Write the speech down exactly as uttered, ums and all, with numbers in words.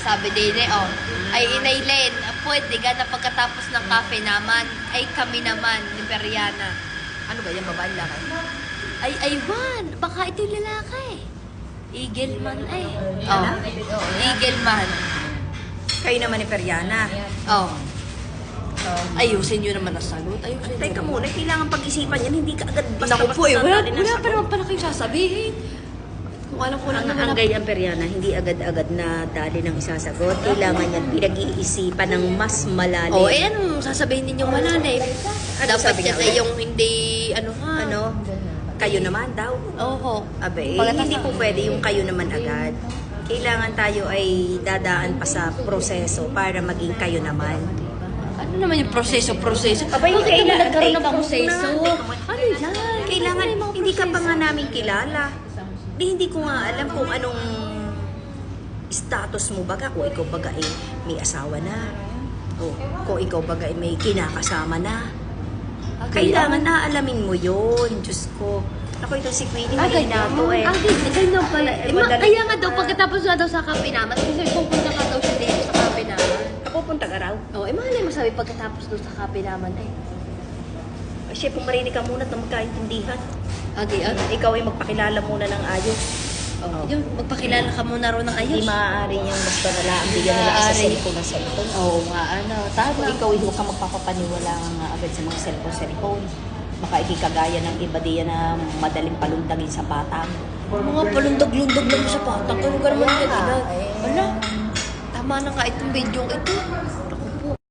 sabi din eh, oh, ay inailen, pwede ka na pagkatapos ng cafe naman, ay kami naman ni Periana. Ano ba yan, babae lalaki? Ay, aywan, baka ito yung lalaki. Eagle man ay. Oh, Eagle man. Kayo naman ni Periana. Oh. Ayusin nyo naman ang sagot. Ayusin Teka nyo. muna, kailangan pag-isipan yan. Hindi ka agad basta Naku po eh, wala, dadali ng wala pa sagot. naman pala kayong sasabihin. Kung alam ko lang Ang, naman ang na- gayang Periana, hindi agad-agad na dali ng isasagot. Kailangan yan pinag-iisipan ng mas malalim. Oh, eh anong sasabihin ninyong malalim? Ano Dapat sabi niya yan ulit? ay yung hindi, ano ha? Ano? Kayo naman daw. Oo. Abe, eh, Pagkatapos hindi ng- po pwede yung kayo naman agad. Kailangan tayo ay dadaan pa sa proseso para maging kayo naman. Ano naman yung proseso, proseso? Abay, Bakit kailangan- naman nagkaroon ng teka proseso? muna, teka muna. Ano yan? Kailangan, Ano yung mga hindi ka pa nga proseso? namin kilala. Di, hindi ko nga alam kung anong status mo baga. Kung ikaw baga eh, may asawa na. O kung ikaw baga eh, may kinakasama na. Ah, Kailangan na alamin mo yun. Diyos ko. Ako itong si Queenie, Ah, hindi ganyan. na to eh. Ah, ganyan. Ganyan pala. Eh, ma- madali- kaya nga daw, pagkatapos nga daw sa kape naman, kasi pupunta ka daw siya dito sa kape naman. Kapupunta ka raw. Oh, eh, malay mo sabi pagkatapos daw sa kape naman eh. Siya, pumarinig ka muna at magkaintindihan. Agi, agi. Ikaw ay magpakilala muna ng ayos. Oh. Yun, magpakilala ka muna ro ng Hindi ayos. maaari niyang basta nala ang bigyan nila sa Maaari. cellphone ng cellphone. Oo nga, ano, Kung tama. ikaw ay huwag kang magpapapaniwala nga agad sa mga cellphone-cellphone. Baka ikikagaya ng iba diyan na madaling palundagin sa patang. Mga palundag-lundag lang sa patang. Ano ka naman Wala yan? nga, Ina? eh. Wala. Tama na nga itong video ito.